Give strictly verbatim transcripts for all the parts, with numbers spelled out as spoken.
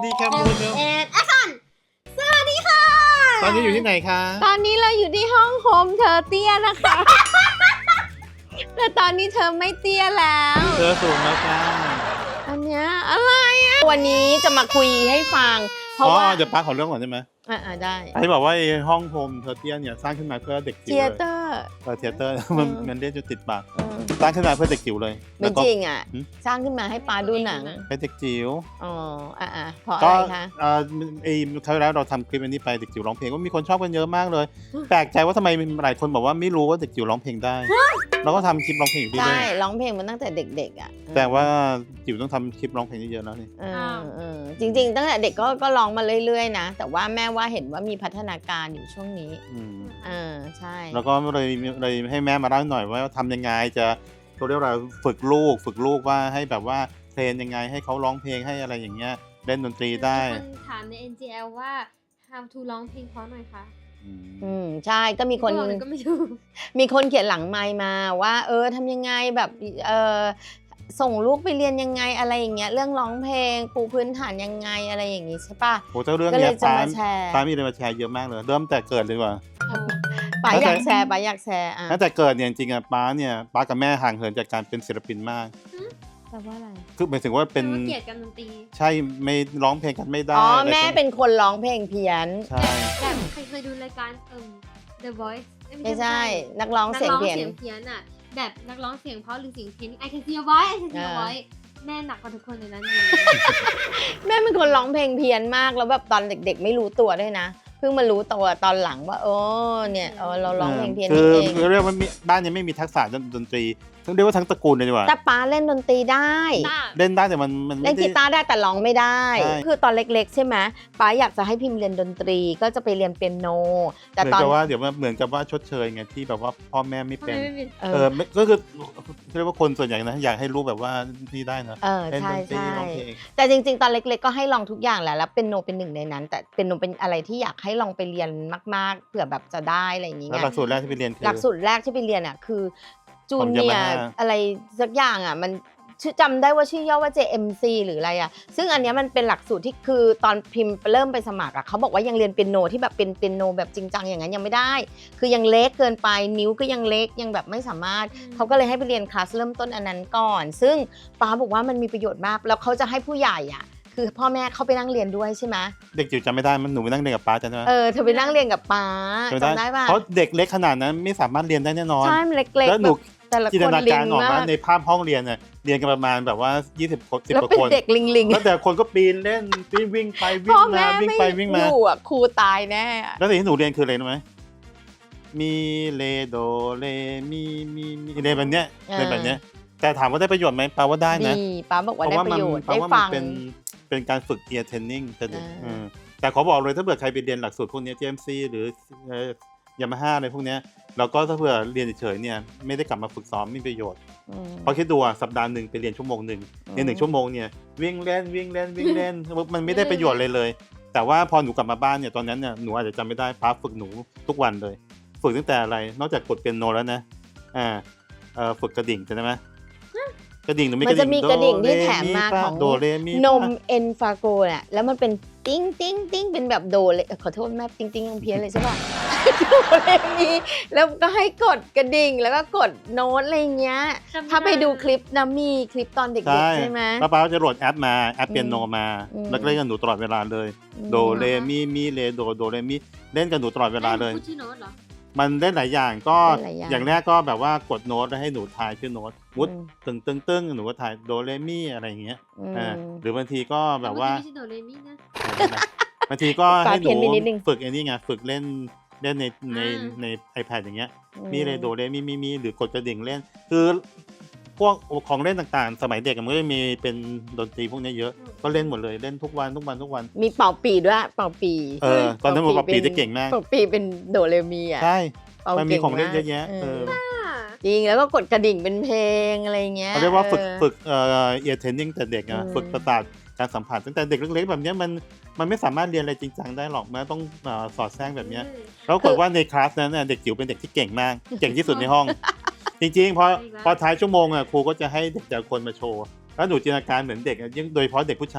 ดีแคมูนเนอะเอ็ดแอคชั่นสวัสดีค่ะตอนนี้อยู่ที่ไหนคะตอนนี้เราอยู่ที่ห้องโฮมเธอเตี้ยนะคะ แต่ตอนนี้เธอไม่เตี้ยแล้วเธอสูงแล้วค่ะอันเนี้ยอะไรอ่ะ วันนี้จะมาคุยให้ฟัง เพอ๋ราะอว่าเดี๋ยวป้าขอเรื่องก่อนได้ไหมอ่าได้ไอ้บอกว่าไอ้ห้องโฮมเทอร์เทียเนี่ยสร้างขึ้นมาเพื่อเด็กจิ๋วเทียเลยเตอร์เออเทเตอร์มันมันเรียกจนติดปากเออสร้างขึ้นมาเพื่อเด็กจิ๋วเลยไม่แล้วก็จริงอ่ะหืมสร้างขึ้นมาให้ป้าดูหนังเป็นเด็กจิ๋วอ๋ออ่าอ่าเพราะอะก็ไรคะเอ่อไอ้คราวที่แล้วเราทำคลิปอันนี้ไปเด็กจิ๋วร้องเพลงก็มีคนชอบกันเยอะมากเลย แปลกใจว่าทำไมหลายคนบอกว่าไม่รู้ว่าเด็กจิ๋วร้องเพลงได้เราก็ทำคลิปร้องเพลงอยู่เรื่ใช่อยร้องเพลงมันตั้งแต่เด็กๆอ่ะๆแต่ว่าจิ๋วต้องทำคลิปร้องเพลงเยอะๆแล้วนี่เออเออจริงๆ ตั้งแต่เด็กก็ก็ร้องมาเรื่อยๆนะ แต่ว่าแม่ว่าเห็นว่ามีพัฒนาการอยู่ช่วงนี้อืมเออใช่แล้วก็เลยเลยให้แม่มาเล่าหน่อยว่าทำยังไงจะเขาเรียกว่าอะไรฝึกลูก ฝึกลูกว่าให้แบบว่าเทรนยังไงให้เขาร้องเพลงให้อะไรอย่างเงี้ยเล่นดนตรีได้มีคนถามใน เอ็น จี แอล ว่า how to ร้องเพลงเพราะหน่อยค่ะอืมอืมใช่ก็มีคนบอกเลยก็ไม่ถูกมีคนเขียนหลังไมค์มาว่า เออทำยังไงแบบเออส่งลูกไปเรียนยังไงอะไรอย่างเงี้ยเรื่องร้องเพลงปูพื้นฐานยังไงอะไรอย่างงี้ใช่ปะโหเจ้าเรื่องก็เลเนี้ยยจะป้ามาแชร์ป้ามีอะไรมาแชร์เยอะมากเลย เริ่มแต่เกิดเลยดีกว่าป๋าอยากแชร์ป๋าอยากแชร์อ่ะตั้งแต่เกิดเนี่ยจริงๆอ่ะป้าเนี่ยป้ากับแม่ห่างเหินจากการเป็นศิลปินมากแปลว่าอะไรคือหมายถึงว่าเป็นว่าเกลียดกันดนตรีใช่ไม่ร้องเพลงกันไม่ได้อ๋ออะไรแม่กันเป็นคนร้องเพลงเพี้ยนใช่แบบใครเคยดูรายการเอิ่ม The Voice เอ้ยไม่ใช่นักร้องนักเสียงร้องเพี้ยนเสียงเพี้ยนอ่ะ แบบนักร้องเสียงเพราะหรือเสียงเพี้ยน I can see your voice I can see your อ่า voice แม่หนักกว่าทุกคนในนั้นอยู่แม่เป็นคนร้องเพลงเพี้ยนมากแล้วแบบตอนเด็กๆ ไม่รู้ตัวด้วยนะเพิ่งมารู้ตัวตอนหลังว่าโอ้เนี่ยเออเราร้องเพลงเพี้ยนคืนี่อเองเรียกว่ามีบ้านยังไม่มีทักษะดนตรีต้องเรียกว่าทั้งตระกูลเลยดีกว่าแต่ป้าเล่นดนตรีได้เล่นได้แต่มันมันเล่ไม่นได้กีตาร์ได้แต่ร้องไม่ได้ใช่คือตอนเล็กๆ ใช่ไหมป้าอยากจะให้พิมพ์เรียนดนตรีก็จะไปเรียนเปียโน แต่เหมือนตอนกับว่าเดี๋ยวว่าเหมือนกับว่าชดเชยไงที่แบบว่าพ่อแม่ไม่ทำไมเป็นไม่เป็นเอเอออไม่ก็คือเรียกว่าคนส่วนใหญ่นะอยากให้ลูกแบบว่านี่ได้นะเออเล่นใช่ดนตรีใช่ร้องเพลงแต่จริงๆ ตอนเล็กๆ ก็ให้ลองทุกอย่างแหละแล้วเปียโนเป็นหนึ่งในนั้น แต่เปียโนเป็นอะไรที่อยากให้ลองไปเรียนมากๆเผื่อแบบจะได้อะไรอย่างเงี้แล้วยหลักสูตรแรกที่ไปเรียนคือหลักสูตรแรกที่ไปเรียนอ่ะคือจูของเนีย Yamaha อะไรสักอย่างอ่ะมันชื่อจำได้ว่าชื่อย่อว่า เจ เอ็ม ซี หรืออะไรอ่ะซึ่งอันเนี้ยมันเป็นหลักสูตรที่คือตอนพิมพ์เริ่มไปสมัครอ่ะเขาบอกว่ายังเรียนเปียโนที่แบบเป็นเปียโนแบบจริงจังอย่างนั้นยังไม่ได้ คือยังเล็กเกินไปนิ้วก็ยังเล็กยังแบบไม่สามารถเขาก็เลยให้ไปเรียนคลาสเริ่มต้นอันนั้นก่อน ซึ่งป้าบอกว่ามันมีประโยชน์มากแล้วเขาจะให้ผู้ใหญ่อ่ะคือพ่อแม่เข้าไปนั่งเรียนด้วยใช่ไหมเด็กจิ๋วจำไม่ได้มันหนูไปนั่งเรียนกับป้าจำได้ไหมเออเธอไปนั่งเรียนกับป้าจำจำได้ป่ะเพราะเด็กเล็กขนาดนั้นไม่สามารถเรียนได้แน่นอนใช่มันเล็กๆแล้วหนูบบแต่ละจินคตนนาลิการงออกมาว่าก ในภาพห้องเรียนน่ะเรียนกันประมาณแบบว่ายี่สิบคนสิบแล้วกว่าเป็นคนเด็กลิงลิงแล้วแต่คนก็ปีนเล่นปีนวิ่งไปวิ่พ่งอมาแม่วิ่งไม่ไปวิ่งอมายู่อ่ะครูตายแน่อะแล้วสิ่งที่หนูเรียนคืออะไรรู้ไหมมีเลโดเลมีมีมีเรียนแบบเนี้ยเรียนแบบเนี้ยแต่ถามว่าได้ประโยชน์ไหมแปลว่าได้นะดีป้าบอกว่าได้ประโยชน์เพราะได้ว่ามันฟังเป็นเป็นการฝึก ear training แต่เด็กอ่าเออแต่ขอบอกเลยถ้าเผื่อใครไปเรียนหลักสูตรพวกนี้ จี เอ็ม ซี หรือยามาฮ่าอะไรพวกเนี้ยแล้วก็ถ้าเผื่อเรียนเฉยๆเนี่ยไม่ได้กลับมาฝึกซ้อมไม่มีประโยชน์อืมเพราะคิดดูอ่ะสัปดาห์หนึ่งไปเรียนชั่วโมงหนึ่งอืมในหนึ่งชั่วโมงเนี่ยวิ่งเล่นวิ่งเล่นวิ่งเล่น มันไม่ได้ประโยชน์เลยเลย แต่ว่าพอหนูกลับมาบ้านเนี่ยตอนนั้นเนี่ยหนูอาจจะจำไม่ได้ป้าฝึกหนูทุกวันเลย ฝึกตั้งแต่อะไรนอกจากกดเปียโนแล้วนะอ่าเอ่อฝึกกระดิ่งใช่ไหมกระดิ่งหนูมีมันจะมีกระดิ่งที่แถมมาของโดเรมีนมเอ็นฟาโกเนี่ยแล้วมันเป็นติ้งติ้งติ้งเป็นแบบโดเลยขอโทษแม่ติ้งติ้งยังเพี้ยนเลยใช่ป่ะ โดเรมีแล้วก็ให้กดกระดิ่งแล้วก็กดโน้ตอะไรเงี้ยจำถ้าไปดูด้คลิปนะมีคลิปตอนเด็กใช่ๆใช่ไหมป้าป้าจะโหลดแอปมาแอปเปียโนมาอืมแล้วก็เล่นกับหนูตลอดเวลาเลย โดเรมีมีเลโดโดเรมีเล่นกับหนูตลอดเวลาเลยพูดชื่อโน้ตเหรอมันได้หลายอย่างก็ได้หลายอย่างอย่างแรกก็แบบว่ากดโน้ตแล้วให้หนูทายชื่อโน้ตมุดอืมตึงตึงตึงหนูก็ทายโดเรมีอะไรอย่างเงี้ยอืมอ่าหรือบางทีก็แบบว่าไม่ใช่โดเรมินะบางทีก็ให้หนูปาเพี้ยนไปนิดนึงฝึกไอ้นี่ไงฝึกเล่นเล่นในในอ่าใน iPad อย่างเงี้ยอืมีเลยโดเรมีมีมีหรือกดกระดิ่งเล่น คือพวกของเล่นต่างๆ สมัยเด็กมันก็จะมีเป็นดนตรีพวกนี้เยอะก็เล่นหมดเลยเล่นทุกวันทุกวันทุกวันมีเป่าปีด้วยเป่าปีเออตอนนั้นมันปรับปีได้เก่งมากเป่าปีเป็นโดเรมีอ่ะใช่เป่ามันมีก่ของเล่นากเยอะแยะเออจริงแล้วก็กดกระดิ่งเป็นเพลงอะไรเงี้ยเขาเรียกว่าฝึกออฝึกเอ่อ ear training แต่เด็กอะอืมฝึกประสาทการสัมผัสตั้งแต่เด็กเล็กๆแบบเนี้ยมันมันไม่สามารถเรียนอะไรจริงจังได้หรอกมันต้องเอ่อสอดแทรกแบบเนี้ยแล้วปรากฏว่าในคลาสนั้นน่ะเด็กจิ๋วเป็นเด็กที่เก่งมาก เก่งที่สุดในห้อง จริงๆพอพอท้ายชั่วโมงอ่ะครูก็จะให้เด็กแต่ละคนมาโชว์แล้วหนูจินตนาการเหมือนเด็กอะยิ่งโดยเฉพาะเด็กผู้ชายอ่ะ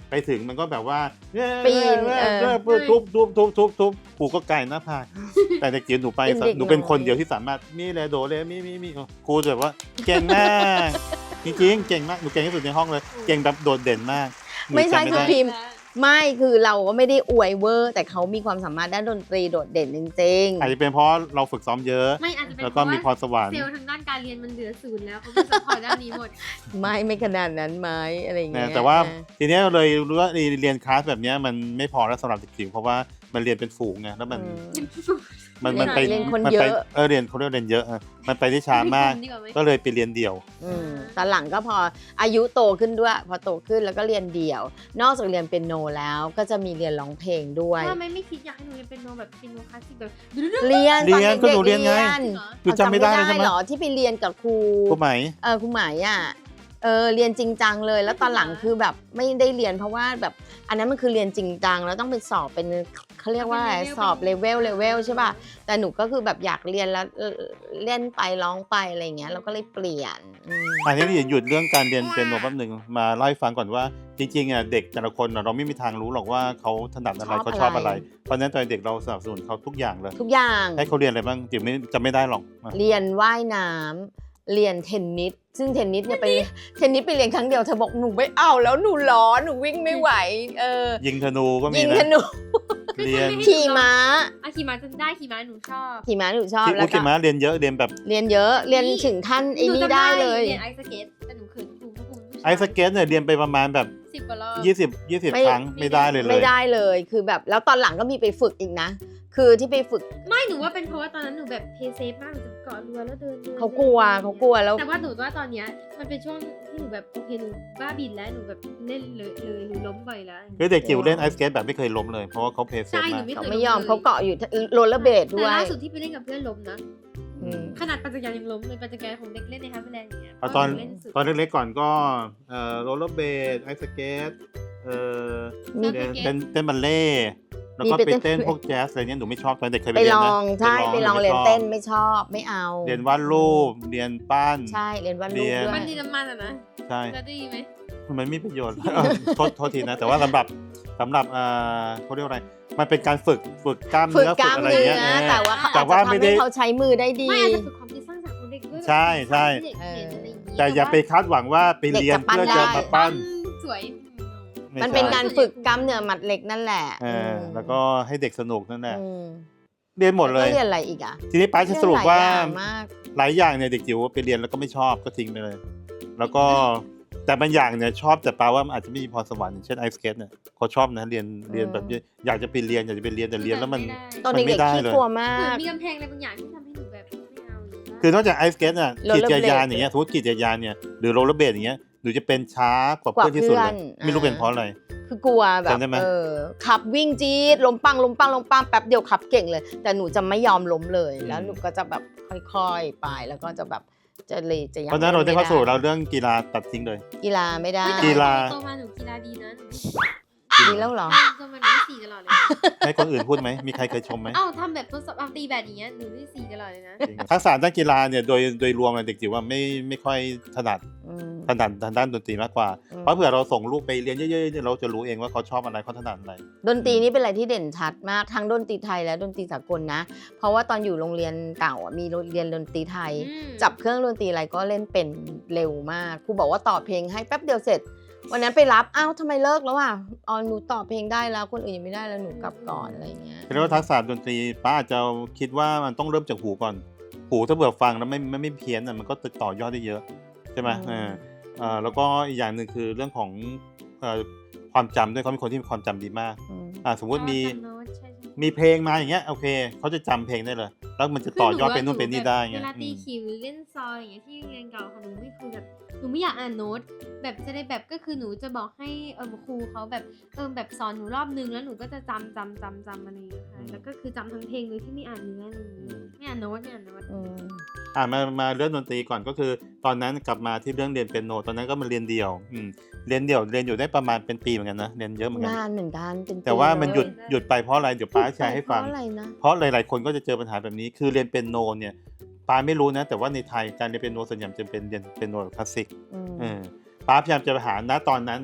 ไปถึงมันก็แบบว่าปีนเอเอออทุบทุบทุบทุบทุบครูก็ไกลหน้าผากแต่เด็กจิ๋วหนูไปเป็นเด็กหนูเป็นน้อยคนเดียวที่สามารถมีแลโดเลมีมีมีครูแบบว่าเก่งมากจริงๆเก่งมากหนูเก่งที่สุดในห้องเลยเก่งแบบโดดเด่นมากหนูไม่ใช่จำคือด้พิมพ์ไม่คือเราก็ไม่ได้อวยเวอร์ แต่เขามีความสามารถด้านดนตรีโดดเด่นจริงอาจจะเป็นเพราะเราฝึกซ้อมเยอะไม่อาจจะเป็นแล้วเพก็ราะมีพว่ารสวรรค์เซลล์ทางด้านการเรียนมันเหลือศูนย์แล้วเขาไม่สปอร์ตด้านนี้หมดๆ ไม่ไม่ขนาดนั้นไหมอะไรอย่างเงี้นะยแต่ว่าเออทีเนี้ยเลยรู้ว่าเรียนคลาสแบบเนี้ยมันไม่พอแล้วสำหรับเด็กจิ๋วเพราะว่ามันเรียนเป็นฝูงไงแล้วมันอืมมันมันไปเรียนคนมัเยไปอะเออเรียนเขาเรียกเรียนเยอะอะมันไปได้ช้ามากดีกว่าไหมก็เลยไปเรียนเดี่ยวอืมตอนหลังก็พออายุโตขึ้นด้วย พอโตขึ้นแล้วก็เรียนเดี่ยว นอกจากเรียนเปียโนแล้วก็จะมีเรียนร้องเพลงด้วยทำไมไม่คิดอยากให้หนูเรียนเป็นโนแบบเป็นโนคลาสสิกแบบเรียนเรียนตอก็หนูเรียนไงด็กเหรอหนูจำไม่ได้เลยใช่ไหมเหรอที่ไปเรียนกับครูครูไหมเออครูหมายอ่ะเออเรียนจริงจังเลย แล้วตอนหลังคือแบบไม่ได้เรียนเพราะว่าแบบอันนั้นมันคือเรียนจริงจังแล้วต้องไปสอบเป็นเขาเรียกว่าอะไรสอบเลเวลเลเวลใช่ป่ะแต่หนูก็คือแบบอยากเรียนแล้วเออเล่นไปร้องไปอะไรอย่างเงี้ยเราก็เลยเปลี่ยนอืมอันนี้หยุดเรื่องการเรียนเป็นโนแป๊บหนึ่งมาเล่าให้ฟังก่อนว่าจริงๆอ่ะเด็กแต่ละคนอ่ะเราไม่มีทางรู้หรอกว่าเขาถนัดอะไรชอบเขาชอบอะอะไร ไร เพราะฉะนั้นตอนเด็กเราสนับสนุนเขาทุกอย่างเลยทุกอย่างให้เขาเรียนอะไรบ้างจิ๋วไม่จำไม่ได้หรอกอ่ะเรียนว่ายน้ำเรียนเทนนิสซึ่งเทนนิสเนี่ยไปเทนนิสไปเรียนครั้งเดียวเธอบอกหนูไม่เอาแล้วหนูร้อนหนูวิ่งไม่ไหวเออยิงธนูก็มียิงนะธนูเรียนขี่ม้าอ่ะขี่ม้าจำได้ขี่ม้าหนูชอบขี่ม้าหนูชอบที่แล้อุวกิก็มะเรียนเยอะเรียนแบบเรียนเยอะเรียนถึงขั้นไอ้นี่ได้เลยเรียนไอซ์สเก็ตแต่หนูเขินครูเพราะครูผู้ชายไอซ์สเก็ตเนี่ยเรียนไปประมาณแบบสิบกว่ารอบยี่สิบ ยี่สิบไม่ครั้งไม่ได้เลยเลยไม่ได้เลยคือแบบแล้วตอนหลังก็มีไปฝึกอีกนะ คือที่ไปฝึกไม่หนูว่าเป็นเพราะว่าตอนนั้นหนูแบบเพย์เซฟมากหนูจะเกาะเรือแล้วเดินดินเขากลัวเขากลัวแล้วแต่ว่าหนูว่าตอนเนี้ยมันเป็นช่วงที่หนูแบบโอเคหนูบ้าบินแล้วหนูแบบเล่นเลยเลยหนูล้มบ่อยแล้วคือเด็กจิ๋วเล่นไอซ์สเก็ตแบบไม่เคยล้มเลยเพราะว่าเขาเพย์เซฟใช่หมานูกไม่เขาเคยไม่ยอมล้ลเขาเกาะอยู่โรลเลอร์เบลดด้แต่วยล่าสุดที่ไปเล่นกับเพื่อนล้มนะอืมขนาดปัจจัยยังล้มเลยปัจจัยของเด็กเล่นในฮับเบิลแลนด์อย่างเงี้ยเอาตอนหเล่นสุดตอนเล็กๆก่อนก็เอ่อโรลเลอร์เบดไอซ์สเก็ตเอ่อมีเต้นเต้นเต้นบัลเล่ต์แล้วก็มีไปไปเต้นเต้นพวกแจ๊สอะไรเงี้ยหนูไม่ชอบตอนเด็กเคยไปไปเรียนลนะองใช่ไปลองเรียนไม่ชบเต้นไม่ชอบไม่เอาเรียนวาดรูปเรียนปั้นใช่เรียนวาดรูปเรียนด้วมันยดีน้ำมันอะนะใช่จะดีไหมมันไม่มีประโยชน์ เออโทษโทษทีนะ แต่ว่าสำหรับสำหรับเอ่อเขาเรียกว่าอะไร มันเป็นการฝึกฝึกกล้ามฝึกเนื้อก ฝึล้าก มอะไรเนื้เงี้ยอเออแต่ว่าเขาแต่อาจว่าจะไม่ทำได้ให้เขาใช้มือได้ดีไม่อาจจะฝึกความคิดสร้างสรรค์ของเด็กด้วยใช่ใช่เด็กเห็นอะไรอย่างเงี้ยแต่อย่าไปคาดหวังว่าไปเรียนเด็กจะปั้นเพื่อจะได้มาปั้นสวยไมันเป็นใช่การฝึกกล้ามเนื้อมัดเล็กนั่นแหละเออแล้วก็ให้เด็กสนุกนั่นแหละอืมเรียนหมดเลยแวก็เรียนอะไรอีกอ่ะทีนี้ป้าจะสรุปว่าเรียนหลยอย่งมากหลายอย่างเนี่ยเด็กจิ๋วไปเรียนแล้วก็ไม่ชอบก็ทิ้งไปเลย แล้วก็แต่บางอย่างเนี่ยชอบแต่แปลว่ามันอาจจะไม่มีพรสวรรค์อย่างเช่นไอซ์สเก็ตเนี่ยเขาชอบนะเรียนเรียนแบบอยากจะไปเรียนอยากจะไปเรียนแต่เรียนแล้วมันตอนมันไม่เด็กได้ๆขี้เลยกลัวมาเหมือนกมีกำแพงอะไรบางอย่างที่ทำให้หนูแบบไม่เอาหรือว่าคือนอกจากไอซ์สเก็ตน่ะโรลกีเลอร์จักรยานเบลดอย่างเงี้ยสมมติกีจักรยานเนี่ยหรือโรลเลอร์เบลดอย่างเงี้ยหนูจะเป็นช้ากว่าเพื่อนที่สุดเลยกว่าเพื่อนไม่รู้อ่าเป็นเพราะอะไรคือกลัวแบบจำได้ไหมเออขับวิ่งจี๊ดล้มปังล้มปังล้มปังแป๊บเดียวขับเก่งเลย แต่หนูจะไม่ยอมล้มเลย แล้วหนูก็จะแบบค่อยๆไปแล้วก็จะแบบจะเลยจะยังเพราะฉะนั้นเราได้ม่ข้อสรุปเราเรื่องกีฬาตัดทิ้งเลยกีฬาไม่ได้เฮ้ยแต่กีฬาโตมาหนูกีฬาดีนะหนูดีแล้วเหรอโตมาหนูได้สี่ตลอดเลยนะให้คนอื่นพูดไหมมีใครเคยชมไหมเอ้าทำแบบทดสอบเอาตีแบบอย่างเงี้ยหนูได้สี่ตลอดเลยนะจริงทักษะด้านกีฬาเนี่ยโดยโดยรวมเนี่ยเด็กจิ๋วว่าไม่ไม่ค่อยถนัดอืมถนัดทางด้านดนตรีมากกว่าอืมเพราะเผื่อเราส่งลูกไปเรียนเยอะๆเนี่ยเราจะรู้เองว่าเขาชอบอะไรเขาถนัดอะไรดนตรีนี่เป็นอะไรที่เด่นชัดมากทั้งดนตรีไทยและดนตรีสากลนะ เพราะว่าตอนอยู่โรงเรียนเก่าอ่ะมีเรียนดนตรีไทยอืมจับเครื่องดนตรีอะไรก็เล่นเป็นเร็วมากครูบอกว่าต่อเพลงให้แป๊บเดียวเสร็จ วันนั้นไปรับอ้าวทำไมเลิกแล้วอ่ะอ๋อหนูต่อเพลงได้แล้วคนอื่นยังไม่ได้แล้วหนูกลับก่อนอะไรอย่างเงี้ยเรียกว่าทักษะดนตรีป้าอาจจะคิดว่ามันต้องเริ่มจากหูก่อน หูถ้าเบื่อฟังแล้วไม่ไม่ไม่เพี้ยนอ่ะมันก็ต่อยอดได้เยอะใช่ไหมอืมเออเอ่อแล้วก็อีกอย่างหนึ่งคือเรื่องของเอ่อความจำด้วยเขาเป็นคนที่มีความจำดีมากอืมอ่าสมมติมีจำโน้ตใช่ใช่มีเพลงมาอย่างเงี้ยโอเคเขาจะจำเพลงได้เลย แล้วมันจะต่อยอดเป็นนู่นเป็นนี่ได้เวไงลาตีอืมคิวหรือเล่นซอยอย่างเงี้ยที่โรงเรียนเก่าค่ะหนูไม่คือแบบหนูไม่อยากอ่านโน้ตแบบจะได้แบบก็คือหนูจะบอกให้เออครูเขาแบบเออแบบสอนหนูรอบนึงแล้วหนูก็จะจำจำจำจำอะไรอย่างเงี้ยค่ะแล้วก็คือจำทั้งเพลงโดยที่ไม่อ่านเนื้ออะไรอย่างเงี้ยไม่อ่านโน้ตไม่อ่านโน้ตอืมอ่ามามาเรื่องดนตรีก่อนก็คือ ตอนนั้นกลับมาที่เรื่องเรียนเปียโนตอนนั้นก็มาเรียนเดี่ยวอืมเรียนเดี่ยวเรียนอยู่ได้ประมาณเป็นปีเหมือนกันนะเรียนเยอะเหมือนกันนานเหมือนกันเป็นปีแต่ว่ามันหยุดเลยหยุดไปเพราะอะไรเดี๋ยวป้าแชร์ให้ฟังเพราะอะไรนะเพราะหลาย ๆ คนก็จะเจอปัญหาแบบนี้คือเรียนเปียโนเนี่ยป้าไม่รู้นะ แต่ว่าในไทยการเรียนเปียโนส่วนใหญ่จะเป็นเรียนเปียโนแบบคลาสสิกอืมเออป้าพยายามจะไปหาณตอนนั้นนะ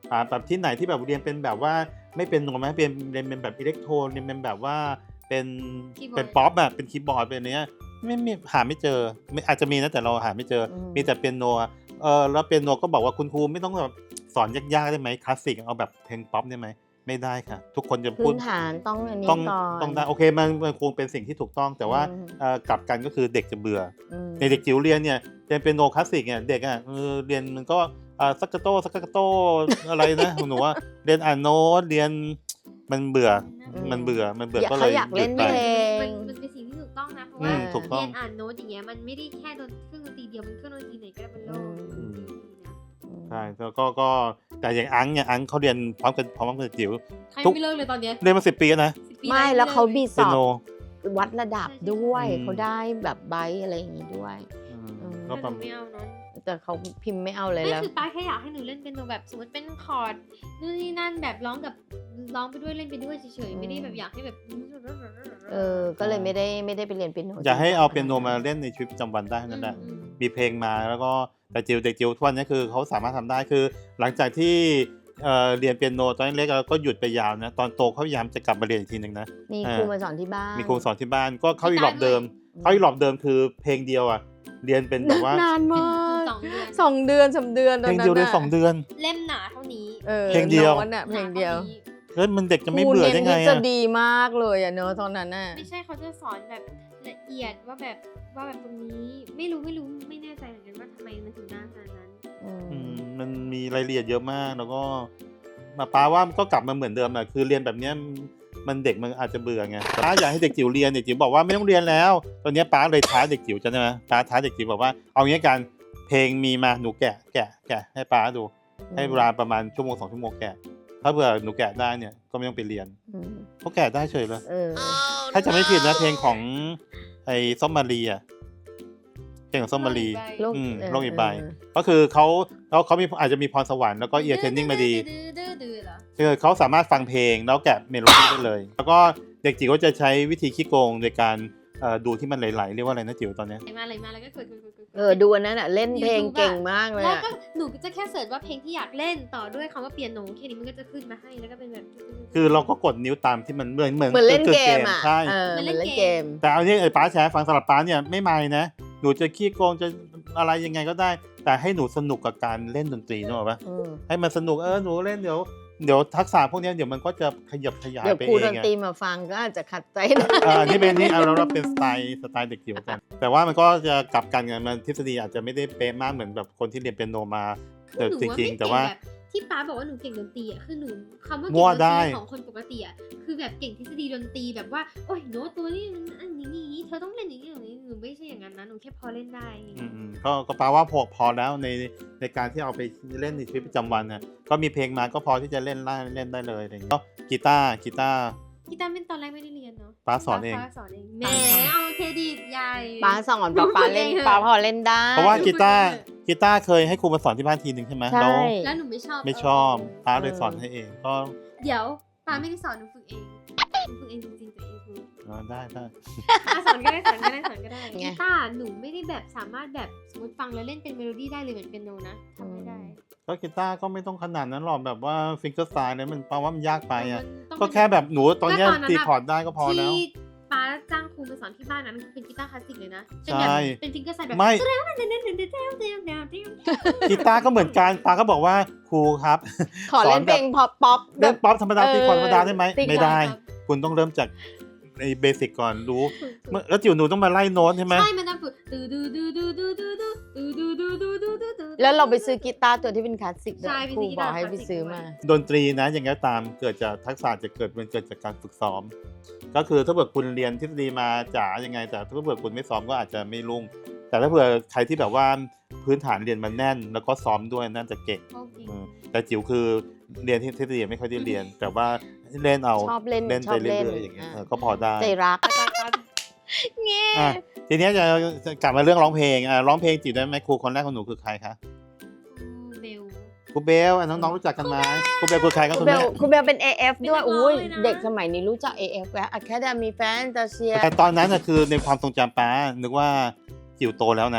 อ่าแบบที่ไหนที่แบบเรียนเป็นแบบว่าไม่เป็นโนไหมเป็นเรียนเป็นแบบอิเล็กโทรเรียนเป็นแบบว่าเป็นเป็นป๊อปแบบเป็นคีย์บอร์ดเป็นเนี้ยไม่ไม่หาไม่เจอไม่อาจจะมีนะแต่เราหาไม่เจอมีแต่เปียโนเออแล้วเปียโนก็บอกว่าคุณครูไม่ต้องแบบสอนยากๆได้ไหมคลาสสิกเอาแบบเพลงป๊อปได้ไหมไม่ได้ค่ะทุกคนจะพูพื้ดนฐานต้องอันนี้ต้องก่อนต้องได้โอเคมันมันคงเป็นสิ่งที่ถูกต้องแต่ว่าอืมเอ่อกลับกันก็คือเด็กจะเบื่ออืมในเด็กจิ๋วเรียนเนี่ยเรียนเป็นโนคลาสสิกเนี่ยเด็กอ่ะเออเรียนมันก็อ่าซักกะโตซักกะโต อะไรนะหนูว่าเรียนอ่านโน้ตเรียนมันเบื่ออืมมันเบื่อมันเบื่ออยากก็เลเขายอยากเล่นหยุดเพไปลมันงมันเป็นสิ่งที่ถูกต้องนะเพราะอืว่ามถูกต้องเรียนอ่านโน้ตอย่างเงี้ยมันไม่ได้แค่ดนเครื่องดนตรีเดียวมันเครื่องดนตรีไหนก็ได้บนโลกอืมนะใช่แล้วก็ก็แต่อย่างอังเนี่ยอังเขาเรียนพร้อมกันพร้อมกันกับจิ๋วใครทุกไม่เลิกเลยตอนเนี้ยเรียนมาสิบปีแล้วนะสิบปีไม่แล้วเขามีสเปียอบโนวัดระดับด้วยอืมเขาได้แบบไบท์อะไรอย่างงี้ด้วยอืมอืมก็แต่หประนูไม่เอาเนาะแต่เขาพิมพ์ไม่เอาเลยไม่แล้วคือป้าแค่อยากให้หนูเล่นเป็นโนแบบสมมติเป็นคอร์ดนู่นนี่นั่นแบบร้องกับร้องไปด้วยเล่นไปด้วยเฉยๆไม่ได้แบบอยากให้แบบเออ ก็เลยไม่ได้ไม่ได้ไปเรียนเปียโนอย่าให้เอาจริเปียงโนๆมาเล่นในชีวิตประจำวันได้นั่นแหละอืมมีเพลงมาแล้วก็แต่จิวเด็กจิวทุกวันนี้คือเขาสามารถทำได้คือ หลังจากที่เอ่อเรียนเปียโนตอนเล็กๆแล้วก็หยุดไปยาวนะตอนโตเขาพยายามจะกลับมาเรียนอีกทีหนึ่งนะมีอ่าครูมาสอนที่บ้านมีครูสอนที่บ้านก็เข้าอีหลอบเดิมเข้าอีหลอบเดิมคือเพลงเดียวอ่ะเรียนเป็นแบบว่านานมากสองเดือนสองเดือนสามเดือนตเพอนลงนั้นเดียวเรียนน่ะสองเดือนเล่มหนาเท่านี้ออเพลงเดียวโน้ตน่ะเพลงเดียวหนาท่านี้แล้วมันเด็กจะไม่เบื่อได้ไงครูเน้นทฤษอ่ะฎีมากเลยอ่ะเนอะตอนนั้นน่ะไม่ใช่เขาจะสอนแบบละเอียดว่าแบบว่าแบบตรงนี้ไม่รู้ไม่รู้ไม่แน่ใจเหมือนกันว่าทำไมมันถึงนานขนาดนั้นอืมอืมมันมีรายละเอียดเยอะมากแล้วก็มาป้าว่าก็กลับมาเหมือนเดิมอ่ะคือเรียนแบบเนี้ยมันเด็กมันอาจจะเบื่อไงป้าอยากให้เด็กจิ๋วเรียนเด็กจิ๋วบอกว่าไม่ต้องเรียนแล้ว ตอนนี้ป้าเลยท้าเด็กจิ๋วจะใช่ไหมป้าท้าเด็กจิ๋วบอกว่าเอางี้กันเพลงมีมาหนูแกะแกะแกะให้ป้าดู ให้เวลาประมาณชั่วโมงสองชั่วโมงแกะถ้าเผื่อหนูแกะได้เนี่ยก็ไม่ต้องไปเรียนอืมเขาแกะได้เฉยเลยเออถ้าจะไม่ผิดนะเพลงของไอ้ส้มมารีอ่ะเพลงของส้มมารีโลกอืมเออโลกอีกใบเออก็คือเขาเขาเขามีอาจจะมีพรสวรรค์แล้วก็เอียร์เทรนนิ่งมาดีดื้อๆดื้อๆเหรอคือเขาสามารถฟังเพลงแล้วแกะเมโลดี้ได้เลย แล้วก็เด็กจิ๋วก็จะใช้วิธีขี้โกงโดยการเอ่อดูที่มันไหลๆเรียกว่าอะไรนะจิ๋วตอนเนี้ยอะไรมาอะไรมาแล้วก็กดกดกดกดเออดูอันนั้นอ่ะเล่นเพลงเก่งมากเลยแล้วอ่ะก็หนูก็จะแค่เสิร์ชว่าเพลงที่อยากเล่นต่อด้วยคำว่าเปียโนแค่นี้มันก็จะขึ้นมาให้แล้วก็เป็นแบบคือเราก็กดนิ้วตามที่มันเหมือนเหมือนเหมือนเล่นเกมอ่ะใช่เออเหมือนเล่นเกมแต่เอาที่ไอ้ป้าแชร์ฟังสำหรับป้าเนี่ยไม่ไม่นะหนูจะขี้โกงจะอะไรยังไงก็ได้ แต่ให้หนูสนุกกับการเล่นดนตรีนึกออกปะอืมให้มันสนุกเออหนูเล่นเดี๋ยวเดี๋ยวทักษะพวกเนี้ยเดี๋ยวมันก็จะขยับขยายเดี๋ยวไปครูเอดงนอะตรีมาฟังก็อาจจะขัดใจนะอ่านี่เป็นนี่เอาเราเป็นสไตล์สไตล์เด็กจิ๋วกัน แต่ว่ามันก็จะกลับกันไงมันทฤษฎีอาจจะไม่ได้เป๊ะมากเหมือนแบบคนที่เรียนเปียโนมาแต่หนูจว่าริงไม่ๆ แต่เก่งว่าแบบที่ป้าบอกว่าหนูเก่งดนตรีอ่ะคือหนูคำว่ามั่เก่งวดนได้ตรีของคนปกติอ่ะคือแบบเก่งทฤษฎีดนตรีแบบว่าโอ้ยโน้ตตัวนี้มันอันนี้อย่างนี้เธอต้องเล่นอย่างนี้อย่างนี้หนูไม่ใช่อย่างนั้นนะหนูแค่พอเล่นได้อย่างอืเงี้ยมๆก็ก็แปลว่าพอพอแล้วในในการที่เอาไปเล่นในชีวิตประจำวันน่ะก็มีเพลงมาก็พอที่จะเล่นได้เล่นได้เลยอะไรอย่างเงี้ยก็กีตาร์กีตาร์กีตาร์เป็นตอนแรกไม่ได้เรียนเนาะป้าสอนเองป้าสอนเองแหมเอาเครดิตใหญ่ป้าสอนป้าป้าเล่นป้าพอเล่นได้เพราะว่ากีตาร์กีตาร์เคยให้ครูมาสอนที่บ้านทีหนึ่งใช่ไหมใช่แล้วแล้วหนูไม่ชอบไม่ชอบป้าเลยสอนให้เองก็เดี๋ยวป้าไม่ได้สอนหนูฝึกเองหนูฝึกเองจริงๆตัวเองคือเออได้ได้อ่ะสอนก็ได้สอนก็ได้สอนก็ได้ไงกีตาร์หนูไม่ได้แบบสามารถแบบสมมติฟังแล้วเล่นเป็นเมโลดี้ได้เลยเหมือนเป็นโนนะทำไม่ได้ก็กีตาร์ก็ไม่ต้องขนาดนั้นหรอกแบบว่าฟิงเกอร์สไตล์เนี่ยมันแปลว่ามันยากไปอ่ะมันต้องก็แค่แบบหนูตอนเนี้ยแล้วตอนนั้นตีอะคอร์ดได้ก็พอแล้วที่ป้าจ้างครูมาสอนที่บ้านนั้นคือเป็นกีตาร์คลาสสิกเลยนะเป็นแบบใช่เป็นฟิงเกอร์ไซด์แบบไม่เต้นเต้นเต้นเต้นเต้นเต้นเต้นเต้นเต้นกีตาร์ก็เหมือนกันป้าก็บอกว่าครูครับขอเล่นเพลงพอปป๊อปแบเล่บนป๊อปธรรมดาเออตีคอร์ดธรรมดาได้ไหมตีคอร์ดไม่ได้ คุณต้องเริ่มจากในเบสิกก่อนรู้เมื่อแล้วจิ๋วหนูต้องมาไล่โน้ตใช่ไหมใช่มันต้องฝึกดูดูดูดูดูดูดูดูดูดูดูดูดูแล้วเราไปซื้อกีตาร์ตัวที่เป็นคลาสสิกด้วยใช่ไปครูซื้อกีบอตาก ร์ให้คลาสไปสิกซื้อด้วยมาดนตรีนะอย่างไรก็ตามเกิดจากทักษะจะเกิดมันเกิดจากการฝึกซ้อม ก็คือถ้าเผื่อคุณเรียนทฤษฎีมาจ๋ายังไงแต่ถ้าเผื่อคุณไม่ซ้อมก็อาจจะไม่รุ่ง แต่ถ้าเผื่อใครที่แบบว่าพื้นฐานเรียนมันแน่น แล้วก็ซ้อมด้วยน่าจะเก่งโอเคอืมแต่จิ๋วคือเรียนที่ทฤษฎีไม่ค่อยได้เรียน แต่ว่าเล่นเอาชอบเล่นเล่นชไปอบเรื่เล่นอยๆอย่างเงี้ยอ่ะเออก็พอได้ใจรักเงี้อ่ะทีเนี้ยจะจะกลับมาเรื่องร้องเพลงอ่ะร้องเพลงจิ๋วได้ไหมครูคนแรกของหนูคือใครคะเบลครูเบลอ่ะน้องๆรู้จักกันไหมครูเบลคือใครครับคุคุณ ณเบแม่ลคุณเบลเป็น เอ เอฟ ด้วยเป็นนักร้องอุ้ยเลยนะเด็กสมัยนี้รู้จัก เอ เอฟ แล้ว Academy Fantasia แต่ตอนนั้นน่ะคือในความทรงจำป้านึกว่าจิ๋วโตแล้วนะ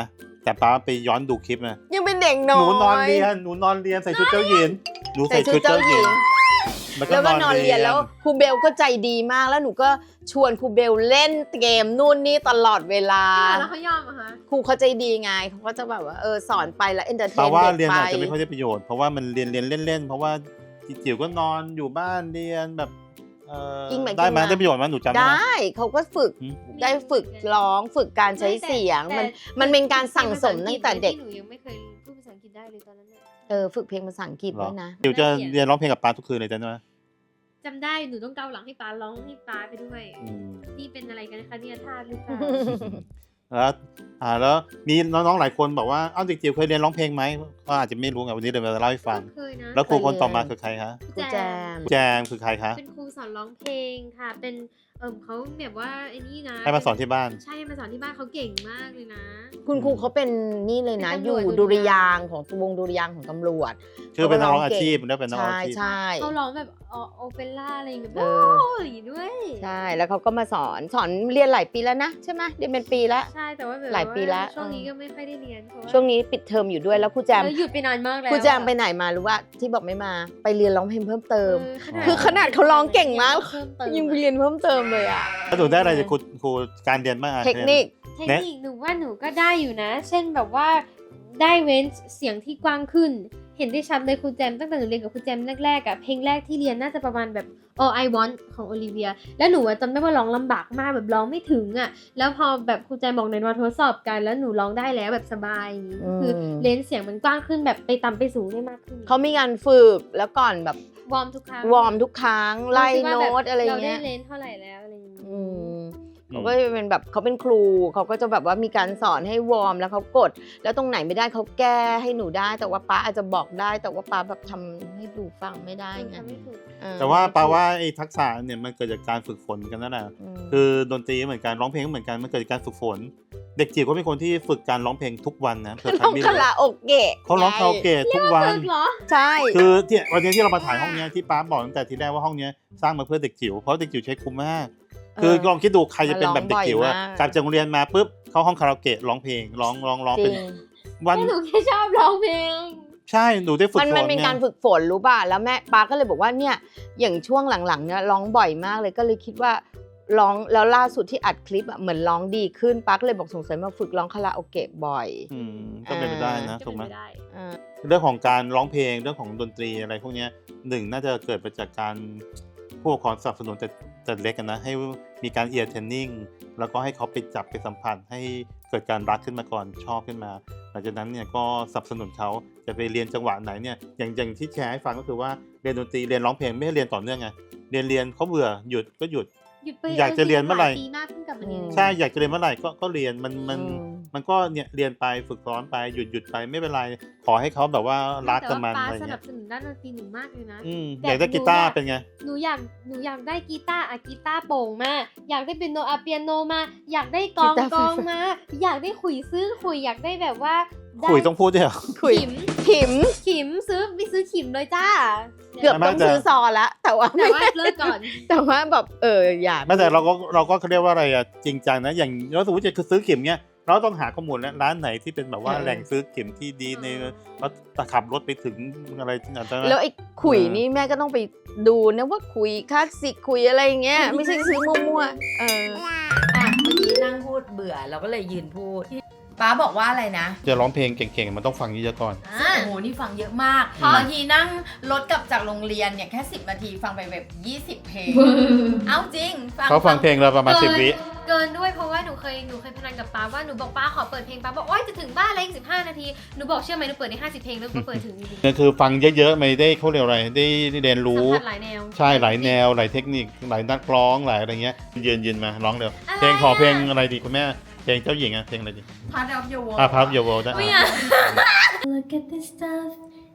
แต่ป้าไปย้อนดูคลิปนะยังเป็นเด็กน้หอยนูนอนเรียนหนูนอนเรียนใส่ชุดเจ้าหญิงหนูใส่ใส่ชุชุดดเจ้าเจ้าหหญิญิงงแล้วก็นอนเรียนแล้วครูเบลก็ใจดีมากแล้วหนูก็ชวนครูเบลเล่นเกมนู่นนี่ตลอดเวลาแล้วเขายอมเหรอะคะครูเขาใจดีไงเขาก็จะแบบว่าเออสอนไปแล้วเอนเตอร์เทแปลนว่าเด็กเรียนไปอาจจะไม่ค่อยได้ประโยชน์เพราะว่ามันเรียนเรียนเล่นๆเพราะว่าจิ๋วก็นอนอยู่บ้านเรียนแบบเอ่ออิงหมายได้ไหมถึงว่าได้ประโยชน์ไหมหนูจำได้ไหมได้เขาก็ฝึกอืมได้ฝึกร้องฝึกการใช้เสียงมันมันเป็นการสั่งสมตั้งแต่เด็กที่หนูยังไม่เคยพูดภาษาอังกฤษได้เลยตอนนั้นน่ะเออฝึกเพลงภาษาอังกฤษเหรอด้วยนะจิ๋วจะเรียนร้องเพลงกับป้าทุกคืนเลยจ้ะไหมจำได้หนูต้องเกาหลังให้ป้าร้องให้ป้าไปด้วยอืมนี่เป็นอะไรกันนะคะเนี่ยทาสหรือเปล่าแล้วอ่าแล้วมีน้องๆหลายคนบอกว่าเอ้าเด็กจิ๋วเคยเรียนร้องเพลงไหมก็อาจจะไม่รู้ไงวันนี้เลยมาเล่าให้ฟังเคยนะแล้วครูคนต่อมาเคยคือใครคะครูแจมแจมคือใครคะเป็นครูสอนร้องเพลงค่ะ เป็นเอิมเขาแบบว่าไอ้นี่นะให้มาสอนที่บ้านใช่ให้มาสอนที่บ้านเขาเก่งมากเลยนะคุณครูเขาเป็นนี่เลยนะเป็นอตำรวจยู่ดุริยางค์ของวงดุริยางค์ของตำรวจคือเป็นนักร้องเขาอาก็ร้องเก่งชีพแล้วเป็นนักร้องใช่อาชีพใช่เขาร้องแบบโอเปร่าอะไรอย่างเงี้ยเอโอ้อยด้วยใช่แล้วเขาก็มาสอนสอนเรียนหลายปีแล้วนะใช่ไหมเรียนเป็นปีแล้วใช่แต่ว่าแบบหลายปีละช่วงนี้ก็ไม่ค่อยได้เรียนเพราะาช่วงนี้ปิดเทอมอยู่ด้วยแล้วครูแจมเออหยุดไปนานมากแล้วครูแจมไปไหนมารู้ว่าที่บอกไม่มาไปเรียนร้องเพลงเพิ่มเติมเคือขนาดเขาร้องเก่งมากเพิ่มเติมยังไปเรียนเพิ่มเติมเลยอ่ะแล้วหนูได้อะไรจากครูครูการเรียนบ้างอะเทคนิคเทคนิคหนูว่าหนูก็ได้อยู่นะ เช่นแบบว่าได้เว้นเสียงที่กว้างขึ้น เห็นได้ชัดเลยครูแจมตั้งแต่หนูเรียนกับครูแจมแรกๆอะเพลงแรกที่เรียนน่าจะประมาณแบบ All I Want ของโอลิเวียแล้วหนูอะจำได้ว่าร้องลำบากมากแบบร้องไม่ถึงอะแล้วพอแบบครูแจมบอกในวันทดสอบกันแล้วหนูร้องได้แล้วแบบสบายอย่างงี้อืมคือเลนส์เสียงมันกว้างขึ้นแบบไปต่ำไปสูงได้มากขึ้นเขามีการฝึกแล้วก่อนแบบวอร์มทุกครั้งวอร์มทุกครั้งไล่คิดว่าโน้แบบตอะไรเราเงี้ได้ยเลนส์เท่าไหร่แล้วอะไรอย่างงี้อืมเขาก็จะเป็นแบบเขาเป็นครูเขาก็จะแบบว่ามีการสอนให้วอร์มแล้วเขากด แล้วตรงไหนไม่ได้เขาแก้ให้หนูได้ แต่ว่าป้าอาจจะบอกได้ แต่ว่าป้าแบบทำให้ดูฟังไม่ได้ไงทำไม่ถูกเออแต่ว่าแปลว่าไอ้ทักษะเนี่ยมันเกิดจากการฝึกฝนกันนั่นแหละมคือดนตรีเหมือนกันร้องเพลงก็เหมือนกันมันเกิดจากการฝึกฝน เด็กจิ๋วก็เป็นคนที่ฝึกการร้องเพลงทุกวันนะเผื่อใครร้องไม่คารู้ราโอเกะเขาร้องคาราโอเกะทุกวันฝึกเหรอใช่คือที่วันนี้ที่เรามาถ่ายห้องเนี้ยที่ป้าบอกตั้งแต่ทีแรกว่าห้องเนี้ยสร้างมาเพื่อเด็กจิ๋วเพราะเด็กจิ๋วใช้คุ้มมาก คือลองคิดดูใครจะเป็นแบบเด็กจิ๋วอะกลับจากโรงเรียนมาปุ๊บเข้าห้องคาราโอเกะร้องเพลงร้องร้องร้องจเป็รินงวันแค่หนูแค่ชอบร้องเพลงใช่หนูได้ฝึกมันฝมันนเป็นไงการฝึกฝนรู้ป่ะแล้วแม่ป้าก็เลยบอกว่าเนี่ยอย่างช่วงหลังๆเนี่ยร้องบ่อยมากเลยก็เลยคิดว่าร้องแล้วล่าสุดที่อัดคลิปอะเหมือนร้องดีขึ้นป้าก็เลยบอกสงสัยมาฝึกร้องคาราโอเกะบ่อยอืมก็เป็นไปได้นะก็ถูกไหมเป็นปได้อ่าเรื่องของการร้องเพลงเรื่องของดนตรีอะไรพวกเนี้ยหนึ่งน่าจะเกิดมาจากการผู้ปกครองสนับสนุนแต่แต่เล็กกันนะให้มีการเอียร์เทรนนิ่งแล้วก็ให้เขาไปจับไปสัมผัสให้เกิดการรักขึ้นมาก่อนชอบขึ้นมาหลังจากนั้นเนี่ยก็สนับสนุนเขาจะไปเรียนจังหวะไหนเนี่ยอย่างอย่างที่แชร์ให้ฟังก็คือว่าเรียนดนตรีเรียนร้องเพลงไม่ให้เรียนต่อเนื่องไงเรียนเรียนเขาเบื่อหยุดก็หยุดหยุดไปอยากจะเรียนเมื่อไหร่ปีมากเพิ่งกลับมาเรียนใช่อยากจะเรียนเมื่อไหร่ก็ก็เรียนมันมันอืมมันก็เนี่ยเรียนไปฝึกซ้อนไปหยุดหยุดไปไม่เป็นไรขอให้เขาแบบว่ารักกับมันแต่อะไรว่าป้าสนัเงี้บยสนุนด้านดนตรีหนูมากเลยนะอืมแต่อยากได้หนูกีตาร์อยากเป็นไงหนูอยากหนูอยากได้กีตาร์อะกีตาร์โปร่งมาอยากได้เปียโนอะเปียโนมา อยากได้กลองกีตาร์ไฟกลองฟ้ามา อยากได้ขุยซื้อขุยอยากได้แบบว่าได้คุยต้องพูดด้วยเหรอคุยขิมขิมขิมซื้อไปซื้อขิมเลยจ้าเกือบไม่ต้องแต่ซื้อซอละแต่ว่าแต่ว่าเลิกก่อนแต่ว่าแบบเอออยากไม่แต่เราก็เราก็เขาเรียกว่าอะไรอ่ะจริงจังนะอย่างเราสมมติจะคือซื้อเข็มเนี้ยเราต้องหาข้อมูลแล้วร้านไหนที่เป็นแบบว่าเออแหล่งซื้อเข็มที่ดีในเราขับรถไปถึงอะไรอาจจะแล้วไอ้ขุยเออนี่แม่ก็ต้องไปดูนะว่าขุยคลาสสิกขุยอะไรอย่างเงี้ยไม่ใช่ซื้อมั่วๆเอออ่ะเมื่อกี้นั่งพูดเบื่อเราก็เลยยืนพูดป้าบอกว่าอะไรนะจะร้องเพลงเก่งๆมันต้องฟังเยอะๆก่อนโอ้โหนี่ฟังเยอะมากอืมบางทีนั่งรถกลับจากโรงเรียนเนี่ยแค่สิบนาทีฟังไปแบบยี่สิบเพลง เอาจริงเขาฟังเพลงเราประมาณสิบวิเกินด้วยเพราะว่าหนูเคยหนูเคยพนันกับป้าว่าหนูบอกป้าขอเปิดเพลงป้าบอกโอ๊ยจะถึงบ้านแล้วอีกสิบห้านาทีหนูบอกเชื่อไหมหนูเปิดได้ห้าสิบเพลงแล้วหนูก็เปิดถึงจริงนี่คือฟังเยอะๆไม่ได้เขาเรียกอะไรได้ได้เรียนๆรู้สัมผัสหลายแนวใช่หลายแนวหลายเทคนิคหลายนักร้องหลายอะไรเงี้ยยืนยืนมาร้องเร็วอะไรเพลงขอเพลงอะอะไรดีคุณแม่เพลงเจ้าหญิงอะเพลงอะไรดี Part of your world อ่ะพับโยโวได้ไม่อ่ะอะ Look at this stuff,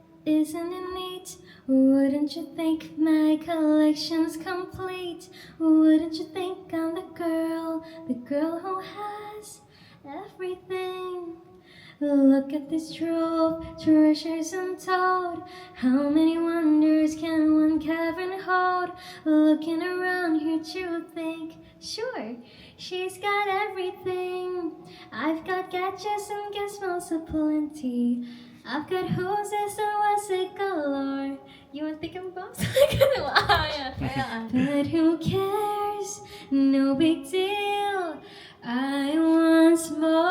isn't it neat? Wouldn't you think my collection's complete? Wouldn't you think I'm the girl, the girl who has everything? Look at this trove, treasures untold. How many wonders can one cavern hold? Looking around here to think, sure, she's got everything. I've got gadgets and gizmos aplenty. I've got hoses and what's it galore. You want thinking about But who cares? No big deal. I want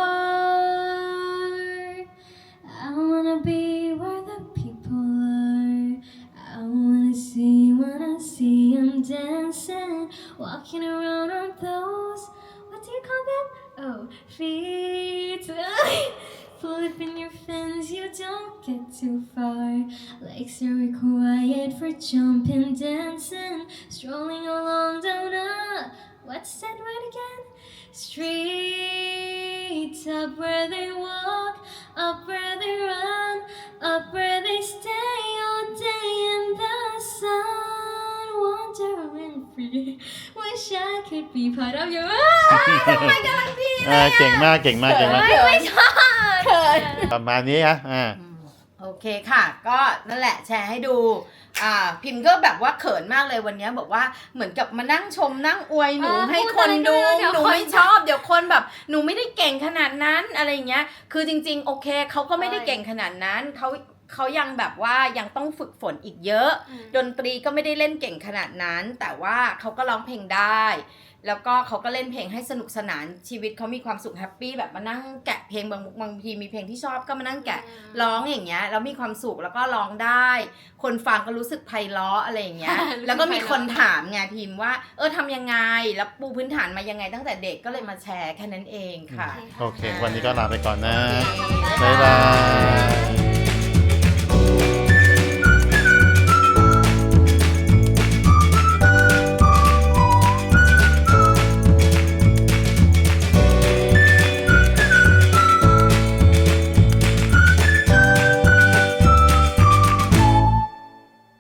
more. I wanna be where the people are. I wanna see when I see them dancing, walking around on those, what do you call them? Oh, feet. Flipping your fins, you don't get too far. Legs are required for jumping, dancing, strolling along down a, what's that word again? Street. Up where they walk, up where they run, up where they stay all day in the sun, wandering free. Wish I could be part of your eyes. Oh my god พี่อ่าเก่งมากเก่งมากเก่งมากไม่ชอบเขินประมาณนี้อ่ะอ่าโอเคค่ะ ก็นั่นแหละแชร์ให้ดูอ่าพิมพ์ก็แบบว่าเขินมากเลยวันนี้บอกว่าเหมือนกับมานั่งชมนั่งอวยหนูเออให้พูดคนดูอะไรก็ได้เดี๋ยวหนูคนไม่ชอบเดี๋ยวคนแบบหนูไม่ได้เก่งขนาดนั้นอะไรอย่างเงี้ยคือจริงๆโอเคเขาก็ไม่ได้เก่งขนาดนั้นเขาเขายังแบบว่ายังต้องฝึกฝนอีกเยอะ ดนตรีก็ไม่ได้เล่นเก่งขนาดนั้น แต่ว่าเขาก็ร้องเพลงได้ แล้วก็เขาก็เล่นเพลงให้สนุกสนานชีวิตเขามีความสุขแฮปปี้แบบมานั่งแกะเพลงบางบางทีมีเพลงที่ชอบก็มานั่งแกะร้องอย่างเงี้ยแล้วมีความสุขแล้วก็ร้องได้ คนฟังก็รู้สึกไพเราะอะไรอย่างเงี้ย แล้วก็มีคนถามไงพิมพ์ว่าเออทำยังไงแล้วปูพื้นฐานมายังไงตั้งแต่เด็กก็เลยมาแชร์แค่นั้นเองค่ะโอเค วันนี้ก็ลาไปก่อนนะโอเคบ๊ายบาย